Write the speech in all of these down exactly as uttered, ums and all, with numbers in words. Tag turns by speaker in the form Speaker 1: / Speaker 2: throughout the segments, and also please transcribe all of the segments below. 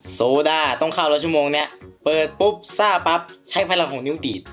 Speaker 1: โซดาต้องเข้าแล้วชั่วโมงเนี้ยเปิดปุ๊บซ่าปั๊บใช้พลังของนิ้วดีด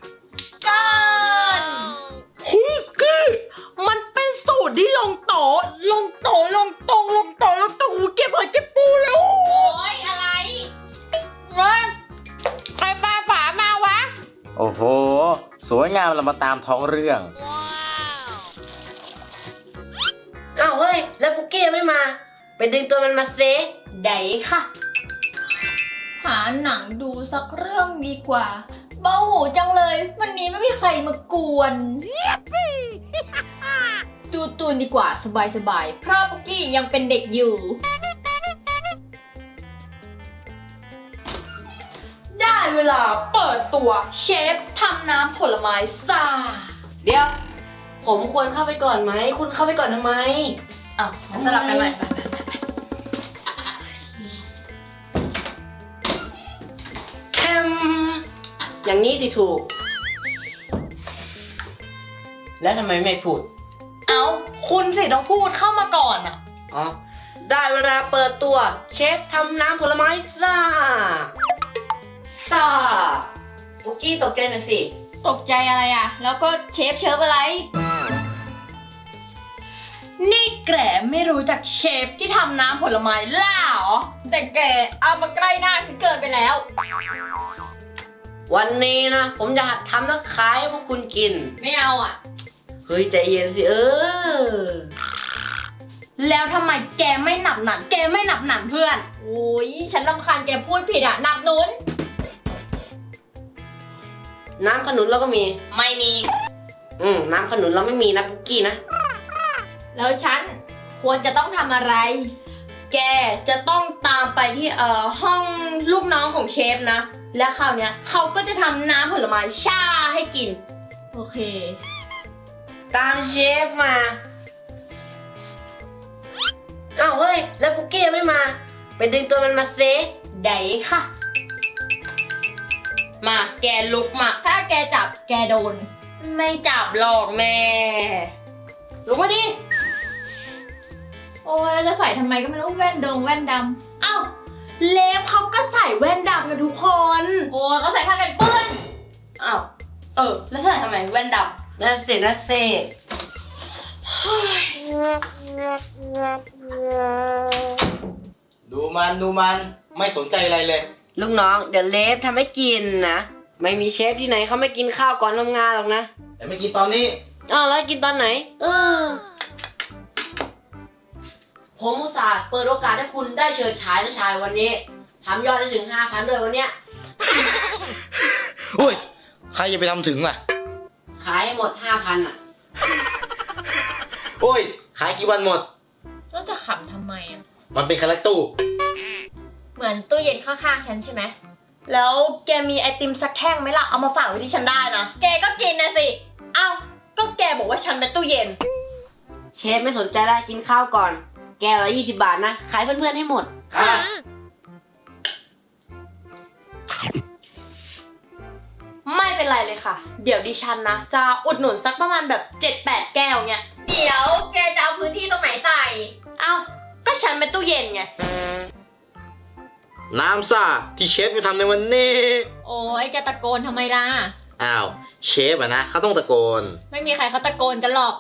Speaker 2: กันหุยกี้มันเป็นสูตรที่ลงโตลงโตลงตรงลงโตลงตรงหูเก็บหอยเก็บปูเลยโอ้ยอะไรเฮ้ยใครปลาฝามาวะ
Speaker 1: โอ้โหสวยงามเรามาตามท้องเรื่อง
Speaker 3: อ้าวเฮ้ยแล้วปุกกี้ยังไม่มาไปดึงตัวมันมาเซ
Speaker 2: ได้ค่ะหาหนังดูสักเรื่องดีกว่าเบาหูจังเลยวันนี้ไม่มีใครมากวนดูตูนดีกว่าสบายๆเพราะปุกกี้ยังเป็นเด็กอยู่ได้เวลาเปิดตัวเชฟทำน้ำผลไม้ซ่า
Speaker 3: เดี๋ยวผมควรเข้าไปก่อนไหมคุณเข้าไปก่อนทำไม
Speaker 2: อ้าวสลับกันใหม่
Speaker 3: แคมอย่างนี้สิถูกแล้วทำไมไม่พูด
Speaker 2: เอ้าคุณสิต้องพูดเข้ามาก่อนอ่ะ
Speaker 3: อ๋อได้เวลาเปิดตัวเชฟทำน้ำผลไม้ซ่าซ่าปุกกี้ตกใจหน่อยสิ
Speaker 2: ตกใจอะไรอ่ะแล้วก็เชฟเชิฟอะไรนี่แกไม่รู้จักเชฟที่ทำน้ำผลไม้ล่าเหรอแต่แกเอามาใกล้หน้าฉันเกินไปแล้ว
Speaker 3: วันนี้นะผมจะหัดทำแล้วขายให้พวกคุณกิน
Speaker 2: ไม่เอาอ่ะ
Speaker 3: เฮ้ยใจเย็นสิเออ
Speaker 2: แล้วทำไมแกไม่หนับหนันแกไม่หนับหนันเพื่อนโอ้ยฉันรำคาญแกพูดผิดอ่ะหนับหนุน
Speaker 3: น้ำขนุนเราก็มี
Speaker 2: ไม่มี
Speaker 3: อืมน้ำขนุนเราไม่มีนะปุกกี้นะ
Speaker 2: แล้วฉันควรจะต้องทำอะไรแกจะต้องตามไปที่เอ่อห้องลูกน้องของเชฟนะและคราวเนี้ยเขาก็จะทำน้ำผลไม้ชาให้กินโอเค
Speaker 3: ตามเชฟมาอ้าวเฮ้ยแล้วปุกกี้ยังไม่มาไปดึงตัวมันมาเซ
Speaker 2: ได้ค่ะมาแกลุกมาถ้าแกจับแกโดนไม่จับหรอกแม่ลุกมาดิโอ้ยจะใส่ทำไมก็ไม่รู้แว่นดงแว่นดำอ้าวเล็บเขาก็ใส่แว่นดำกันทุกคนโอ้ยเขาใส่ผ้ากันเปื้อนอ้าวเออแล้วใส่ทำไมแว่นดำ
Speaker 3: นั่นสินั่นสิ
Speaker 1: ดูมันดูมันไม่สนใจอะไรเลย
Speaker 3: ลูกน้องเดี๋ยวเลฟทำให้กินนะไม่มีเชฟที่ไหนเขาไม่กินข้าวก่อนทำงานหรอกนะ
Speaker 1: แต่ไม่กินตอนนี้
Speaker 3: อ้าวแล้วกินตอนไหนเออผมอุตส่าห์เปิดโอกาสให้คุณได้เชิญชายนะชายวันนี้ทำยอดได้ถึงห้าพันด้วยวันเนี้ย
Speaker 1: โอ้ยใครจะไปทำถึงล่ะ
Speaker 3: ขายหมดห้าพันอ่ะ
Speaker 1: โอ้ยขายกี่วันหมด
Speaker 2: แล้วจะขำทำไมอ่ะ
Speaker 1: มันเป็นคาแรคตู้
Speaker 2: เหมือนตู้เย็นข้างๆฉันใช่ไหมแล้วแกมีไอติมสักแท่งไหมล่ะเอามาฝากไว้ที่ฉันได้นะแกก็กินนะสิอ้าวก็แกบอกว่าฉันเป็นตู้เย็น
Speaker 3: เชฟไม่สนใจแล้วกินข้าวก่อนแก้วละยี่สิบบาทนะขายเพื่อนๆให้หมด
Speaker 2: ไม่เป็นไรเลยค่ะเดี๋ยวดิฉันนะจะอุดหนุนสักประมาณแบบ เจ็ดแปด แก้วเนี้ยเดี๋ยวแกจะเอาพื้นที่ตรงไหนใส่เอ้าก็ฉันเป็นตู้เย็นไง
Speaker 1: น้ำซ่าที่เชฟไปทำในวันนี้
Speaker 2: โอ้ยจะตะโกนทำไมล่ะ
Speaker 1: อ้าวเชฟอะนะเขาต้องตะโกน
Speaker 2: ไม่มีใครเขาตะโกนกันหรอก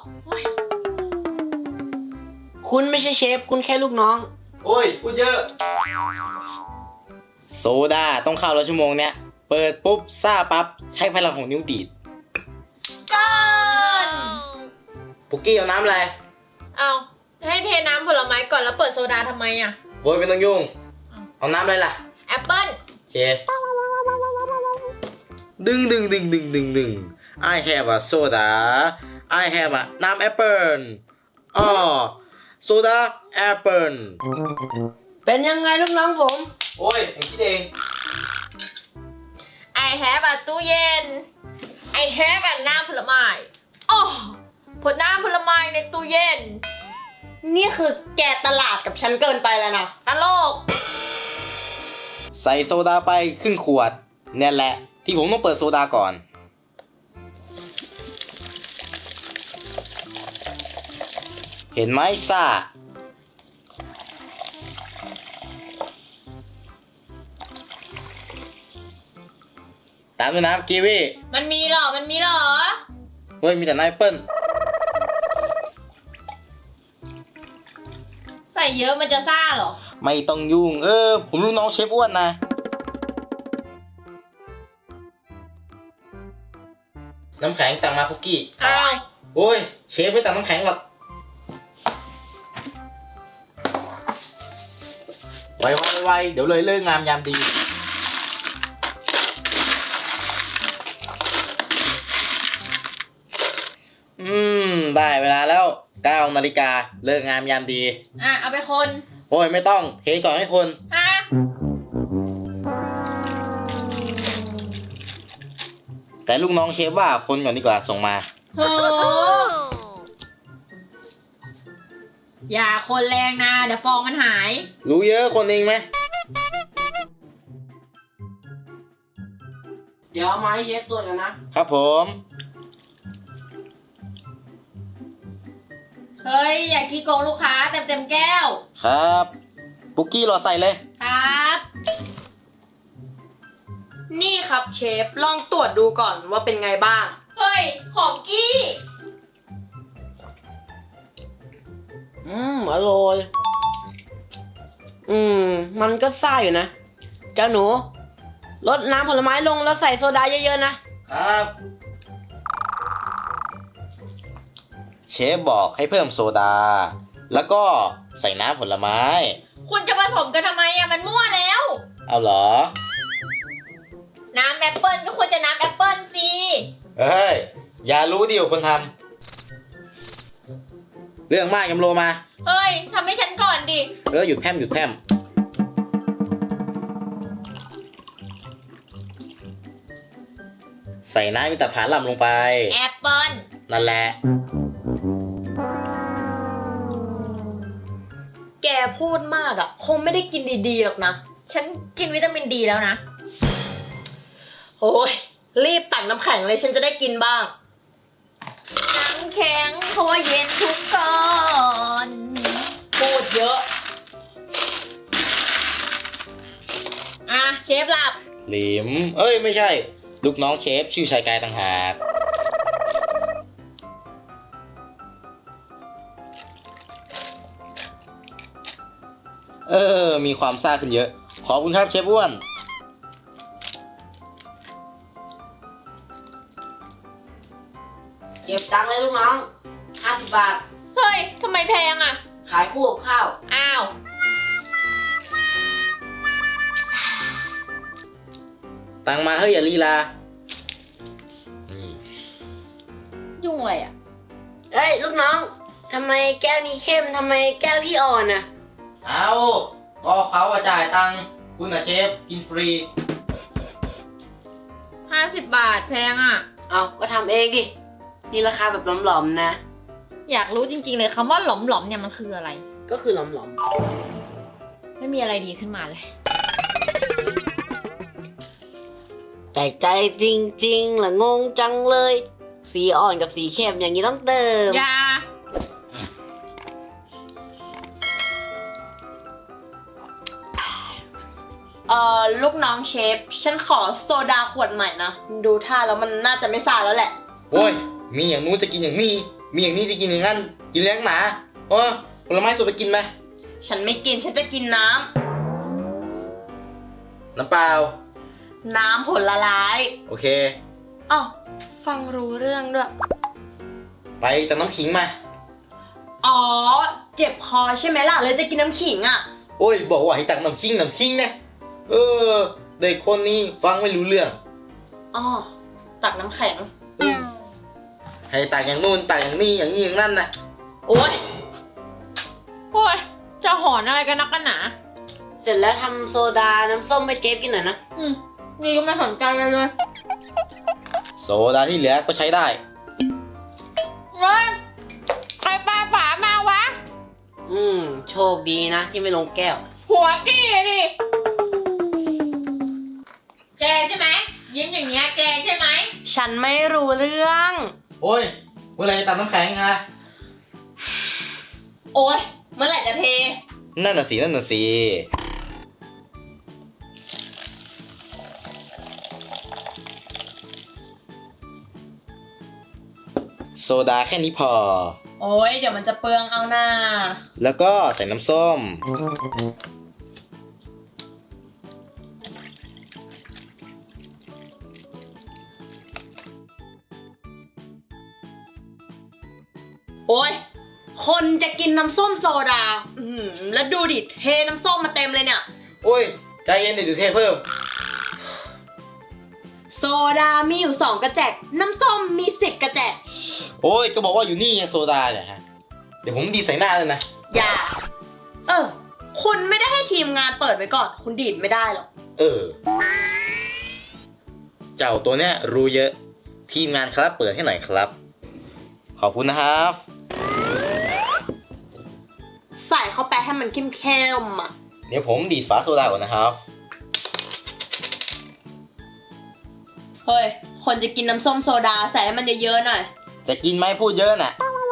Speaker 3: คุณไม่ใช่เชฟคุณแค่ลูกน้อง
Speaker 1: โอ้ยพูดเยอะโซดาต้องเข้าแล้วชั่วโมงเนี้ยเปิดปุ๊บซ่าปั๊บใช้พลังของนิ้วดีด
Speaker 2: กัน
Speaker 1: ปุกกี้เอาน้ำอะไร
Speaker 2: เอาให้เทน้ำผลไม้ก่อนแล้วเปิดโซดาทำไมอ่ะ
Speaker 1: โอ้ยไม่ต้องยุ่งเอาน้ำอะไรล่ะ
Speaker 2: แอปเปิ้ล
Speaker 1: โอเคดึงดึงดึงดึงดึงดึง I have a soda I have a น้ำแอปเปิ้ลอ๋อโซดาแอปเปิ้ล
Speaker 3: เป็นยังไงลูกน้องผม
Speaker 1: โอ้ยผมคิดเอง
Speaker 2: I have a ตู้เย็น I have a น้ำผลไม้อ๋อผลน้ำผลไม้ในตู้เย็นนี่คือแกตลาดกับฉันเกินไปแล้วนะตลก
Speaker 1: ใส่โซดาไปครึ่งขวดเนี่ยแหละที่ผมต้องเปิดโซดาก่อนเห็นไหมซ่าตามด้วยน้ำกีวี
Speaker 2: มันมีเหรอ มันมีเหรอ
Speaker 1: เฮ้ยมีแต่น้ำแอปเปิ้ล
Speaker 2: ใส่เยอะมันจะซ่าเหรอ
Speaker 1: ไม่ต้องยุ่งเออผมลูกน้องเชฟอ้วนนะน้ำแข็งตักมาคุกกี้
Speaker 2: อ้าว
Speaker 1: โอ้ยเชฟไม่ตักน้ำแข็งหรอกไวไวไวเดี๋ยวเลยเลิกงามยามดีอืมได้เวลาแล้วเก้านาฬิกาเลิกงามยามดี
Speaker 2: อ่ะ เอาไปคน
Speaker 1: โอ้ยไม่ต้องเทก่อนให้คน
Speaker 2: ฮะ
Speaker 1: แต่ลูกน้องเชฟว่าคนก่อนดีกว่าส่งมา
Speaker 2: โหอย่าคนแรงนะ เดี๋ยวฟองมันหาย
Speaker 1: รู้เยอะคนเองไหม
Speaker 3: เดี๋ยวเอามาให้เชฟตรวจกันนะครับ
Speaker 1: ผม
Speaker 2: เฮ้ย อย่าขี้โกงลูกค้าเต็มเต็มๆแก้ว
Speaker 1: ครับปุกกี้รอใส่เลย
Speaker 2: ครับ
Speaker 4: นี่ครับเชฟ ลองตรวจดูก่อนว่าเป็นไงบ้าง
Speaker 2: เฮ้ย ของกี้
Speaker 3: อืมอร่อยอืมมันก็ซ่าอยู่นะ เจ้าหนูลดน้ำผลไม้ลงแล้วใส่โซดาเยอะๆนะครับ
Speaker 1: เชฟบอกให้เพิ่มโซดา แล้วก็ใส่น้ำผลไม้
Speaker 2: คุณจะผสมกันทำไมอะมันมั่วแล้ว
Speaker 1: เอาเหรอ
Speaker 2: น้ำแอปเปิลก็ควรจะน้ำแอปเปิลสิ
Speaker 1: เฮ้ย อย่ารู้ดีกว่าคนทำเรื่องมากยำโลมา
Speaker 2: เฮ้ยทำให้ฉันก่อนดิ
Speaker 1: เออหยุดแพร่มหยุดแพร่มใส่น้ำมิตรผาล่ำลงไป
Speaker 2: แอปเปิล
Speaker 1: นั่นแหละ
Speaker 4: แกพูดมากอะ่ะ คงไม่ได้กินดีๆหรอกนะ
Speaker 2: ฉันกินวิตามินดีแล้วนะ
Speaker 4: โอ้ย รีบตักน้ำแข็งเลยฉันจะได้กินบ้าง
Speaker 2: น้ำแข็งเพราะว่าเย็นทุกก่อน
Speaker 4: พูดเยอะ
Speaker 2: อ่ะเชฟหลับ
Speaker 1: หลิม เอ้ยไม่ใช่ ลูกน้องเชฟชื่อชายกายต่างหาก เออ มีความซ่าขึ้นเยอะ ขอบคุณครับเชฟอ้วน
Speaker 3: เก็บตังค์เลยลูกน้องห้าสิบบาท
Speaker 2: เฮ้ยทำไมแพงอ่ะ
Speaker 3: ขายคู่กับข้าว
Speaker 2: อ้าว
Speaker 1: ตังมาเฮ้ยอย่าลีลาอืม
Speaker 2: ยุ่งอะไรอ่ะ
Speaker 3: เอ้ยลูกน้องทำไมแก้วนี้เข้มทำไมแก้วพี่อ่อนน่ะ
Speaker 1: เอาก็เขาอะจ่ายตังค์คุณอะเชฟ กินฟรี
Speaker 2: ห้าสิบบาทแพงอ่ะ
Speaker 3: เอาก็ทำเองดิ นี่ราคาแบบหลอมๆนะ
Speaker 2: อยากรู้จริงๆเลยคำว่าหลอมๆเนี่ยมันคืออะไร
Speaker 3: ก็คือหลอม
Speaker 2: ไม่มีอะไรดีขึ้นมาเลย
Speaker 3: ๆแต่ใจจริงๆล่ะงงจังเลย สีอ่อนกับสีเข้มอย่างนี้ต้องเติม
Speaker 2: อยา
Speaker 4: เอ่อ ลูกน้องเชฟ ฉันขอโซดาขวดใหม่นะ ดูท่าแล้วมันน่าจะไม่ซ่าแล้วแหละ
Speaker 1: โอ้ย มีอย่างนู้นจะกินอย่างนี้ มีอย่างนี้จะกินอย่างนั้น กินแรงหนาโอ้ผลไม้สดไปกินไหม
Speaker 4: ฉันไม่กิน ฉันจะกินน้
Speaker 1: น้ำเปล่า
Speaker 4: ำ น้ำผลไม้
Speaker 1: โอเค
Speaker 4: อ๋อฟังรู้เรื่องด้วย
Speaker 1: ไปตักน้ำขิงมา
Speaker 4: อ๋อ เจ็บคอใช่ไหมล่ะ เลยจะกินน้ำขิงอ่ะ
Speaker 1: โอ้ย บอกว่าให้ตักน้ำขิงน้ำขิงนะเออ เด็กคนนี้ฟังไม่รู้เรื่อง
Speaker 4: อ๋อ ตักน้ำแข็ง
Speaker 1: ให้ตักอย่างนู้นตักอย่างนี้อย่างนี้อย่างนั้นนะ
Speaker 2: โอ๊ยโอ๊ย จะหอนอะไรกันนักกันหนา
Speaker 3: เสร็จแล้วทำโซดาน้ำส้มให้เจฟกินหน่อยนะ
Speaker 2: อืม นี่ก็ไม่สนใจเลยเลย
Speaker 1: โซดาที่เหลือก็ใช้ได้
Speaker 2: เฮ้ยใครปาฝามาวะ
Speaker 3: อืม โชคดีนะที่ไม่ลงแก้ว
Speaker 2: หัวกี้ดิ แกใช่ไหม ยิ้มอย่างเงี้ยแกใช่ไหม
Speaker 4: ฉันไม่รู้เรื่อง
Speaker 1: โอ้ย เมื่อไหรจะตักน้ำแข็งฮะ
Speaker 4: โอ๊ย เมื่อไหร่จะเท
Speaker 1: นั่นน่ะสิ นั่นน่ะสิโซดาแค่นี้พอ
Speaker 4: โอ้ยเดี๋ยวมันจะเปลืองเอาหน้า
Speaker 1: แล้วก็ใส่น้ำส้ม
Speaker 4: โอ้ยคนจะกินน้ำส้มโซดา อือหือแล้วดูดิเทน้ำส้มมาเต็มเลยเนี่ย
Speaker 1: โอ้ย ใจเย็นเดี๋ยวเทเพิ่ม
Speaker 4: โซดามีอยู่สองกระแจก น้ำส้มมีสิบกระแจก
Speaker 1: โอ้ย ก็บอกว่าอยู่นี่ไงโซดาเนี่ยฮะ เดี๋ยวผมดีดใส่หน้าเลยนะ
Speaker 4: อย่า เออ คุณไม่ได้ให้ทีมงานเปิดไว้ก่อน คุณดีดไม่ได้หรอก
Speaker 1: เออ เจ้าตัวเนี้ยรู้เยอะ ทีมงานครับเปิดให้หน่อยครับ ขอบคุณนะครับ
Speaker 4: ใส่เข้าไปให้มันเข้มๆอ่ะ
Speaker 1: เดี๋ยวผมดีดฝาโซดาก่อนนะครับ
Speaker 4: เฮ้ย คนจะกินน้ำส้มโซดาใส่ให้มันเยอะๆหน่อย
Speaker 1: จะกินไหมพูดเยอะน่ะ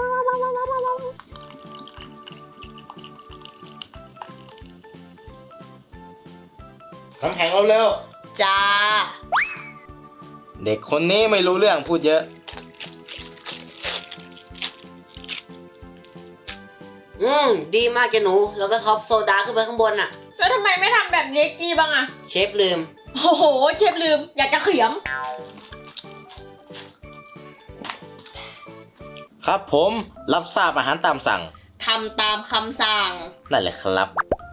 Speaker 1: น้ำแข็งเร็ว
Speaker 4: จ้า
Speaker 1: ๆเด็กคนนี้ไม่รู้เรื่องพูดเยอะ
Speaker 3: อืม ดีมากเจ้าหนู แล้วก็ท็อปโซดาขึ้นไปข้างบนน่ะ
Speaker 2: แล้วทำไมไม่ทำแบบเล็กกี้บ้างอะ
Speaker 3: เชฟลืม
Speaker 2: โอ้โหเชฟลืม อยากจะเขียม
Speaker 1: ครับผมรับทราบอาหารตามสั่ง
Speaker 4: ทำตามคำสั่ง
Speaker 1: นั่นแหละครับ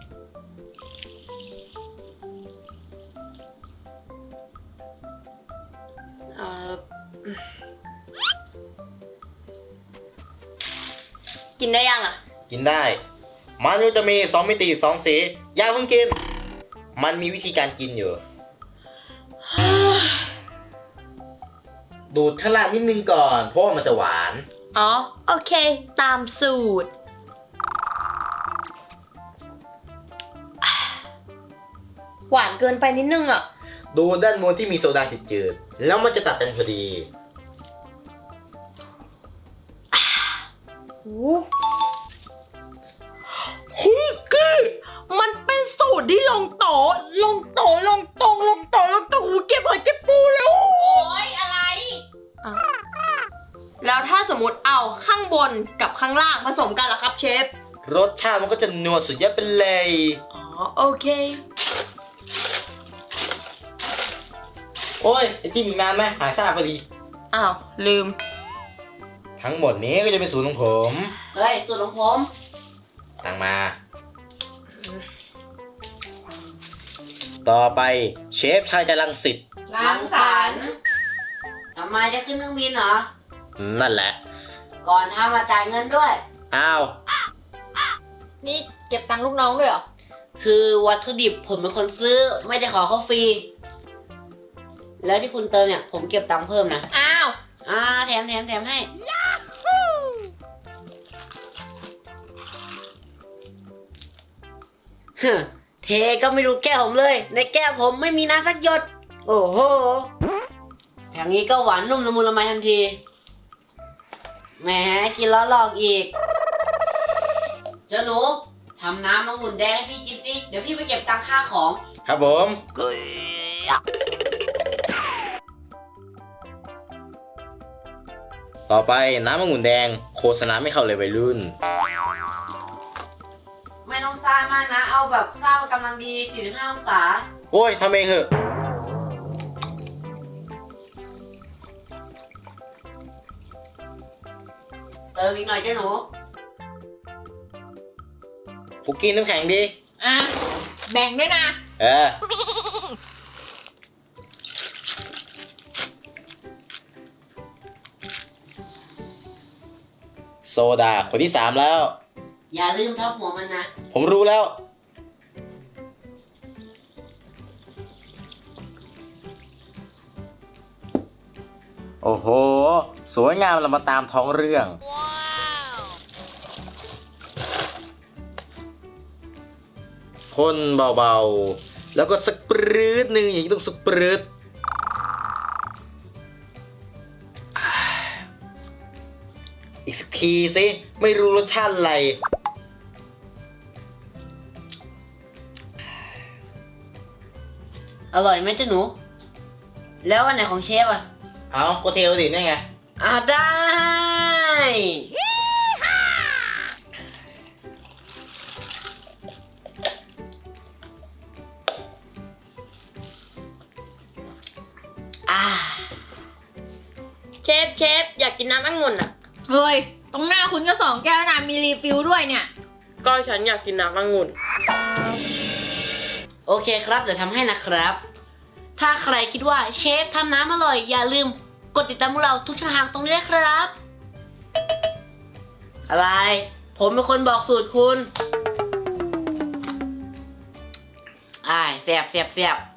Speaker 4: เอ่อ กินได้ยังอ่ะ
Speaker 1: กินได้ มันจะมีสองมิติสองสีอย่าเพิ่งกิน มันมีวิธีการกินอยู่ ดูดข้างล่างนิดนึงก่อน เพราะว่ามันจะหวาน
Speaker 4: อ๋อ โอเค ตามสูตร หวานเกินไปนิดนึงอ่ะ
Speaker 1: ดูด้านบนที่มีโซดาติดจืดๆแล้วมันจะตัดกันพอดี
Speaker 4: เฮ้ยกี้มันเป็นสูตรที่ลงโตะลงโตะลงตรงลงโตะลงตรงหูเก็บหอยเก็บปูแล้ว
Speaker 2: โอ้ยอะไร
Speaker 4: แล้วถ้าสมมติเอาข้างบนกับข้างล่างผสมกันล่ะครับเชฟ
Speaker 1: รสชาติมันก็จะนัวสุดยอดไปเลย
Speaker 4: อ๋อ โอเค
Speaker 1: โอ้ยไอจิ้มอีกนานไหมหายซ่าพอดี
Speaker 4: อ้าว ลืม
Speaker 1: ทั้งหมดนี้ก็จะเป็นสูตรของผม
Speaker 3: เฮ้ย สูตรของผม
Speaker 1: ตั้งมา ต่อไปเชฟชายจะรังสิต
Speaker 2: รังสรรค์
Speaker 3: ทำไมจะขึ้นเครื่องบินเหรอ
Speaker 1: นั่นแหละ
Speaker 3: ก่อนทำมาจ่ายเงินด้วย
Speaker 1: อ้าว
Speaker 2: นี่เก็บตังค์ลูกน้องด้วยเหรอ
Speaker 3: คือวัตถุดิบผมเป็นคนซื้อ ไม่ได้ขอเขาฟรี แล้วที่คุณเติมเนี่ย ผมเก็บตังค์เพิ่มนะ
Speaker 2: อ้าว
Speaker 3: อ่า แถมแถมแถมให้ เฮ้อเทก็ไม่รู้แก้วผมเลย ในแก้วผมไม่มีน้ำสักหยด โอ้โห อย่างนี้ก็หวานนุ่มละมุนละไมทันที แหมกินแล้วหลอกอีก เจ้าหนูทำน้ำมะงุ่นแดงให้พี่กินสิ เดี๋ยวพี่ไปเก็บตังค่าของ
Speaker 1: ครับผม ต่อไปน้ำองุ่นแดงโฆษณาไม่เข้าเลยวัยรุ่น
Speaker 3: ไม่ต้องซ่ามากนะ เอาแบบซ่ากำลังดี สี่สิบห้า องศา
Speaker 1: โอ้ยทำเองเถอะ
Speaker 3: เติมอีกหน่อยเจ้าหนู
Speaker 1: ปุกกินน้ำแข็งดี
Speaker 2: อ่ะ แบ่งด้วยนะ
Speaker 1: เออ โซดาคนที่สามแล้ว
Speaker 3: อย่าลืมท็อปหัวมันนะ
Speaker 1: ผมรู้แล้ว โอ้โห สวยงามเรามาตามท้องเรื่อง คนเบาๆ แล้วก็สปรืดหนึ่งอย่างนี้ต้องสปรืดอ่าอีกสักทีสิ ไม่รู้รสชาติอะไร
Speaker 3: อร่อยไหมเจ้าหนู แล้วอันไหนของเชฟอ่ะ
Speaker 1: เอาก็เทลดินี่ไง
Speaker 3: อ่าได้อ่า
Speaker 4: เชฟเชฟอยากกินน้ำองุ่นอ่ะ
Speaker 2: เฮ้ย ตรงหน้าคุณก็สองแก้วนะมีรีฟิลด้วยเนี่ย
Speaker 4: ก็ฉันอยากกินน้ำองุ่น
Speaker 3: โอเคครับเดี๋ยวทำให้นะครับ ถ้าใครคิดว่าเชฟทำน้ำอร่อยอย่าลืมกดติดตามพวกเราทุกช่องทางตรงนี้ด้วยครับ อะไร ผมเป็นคนบอกสูตรคุณ อ่าแซ่บแซ่บแซ่บ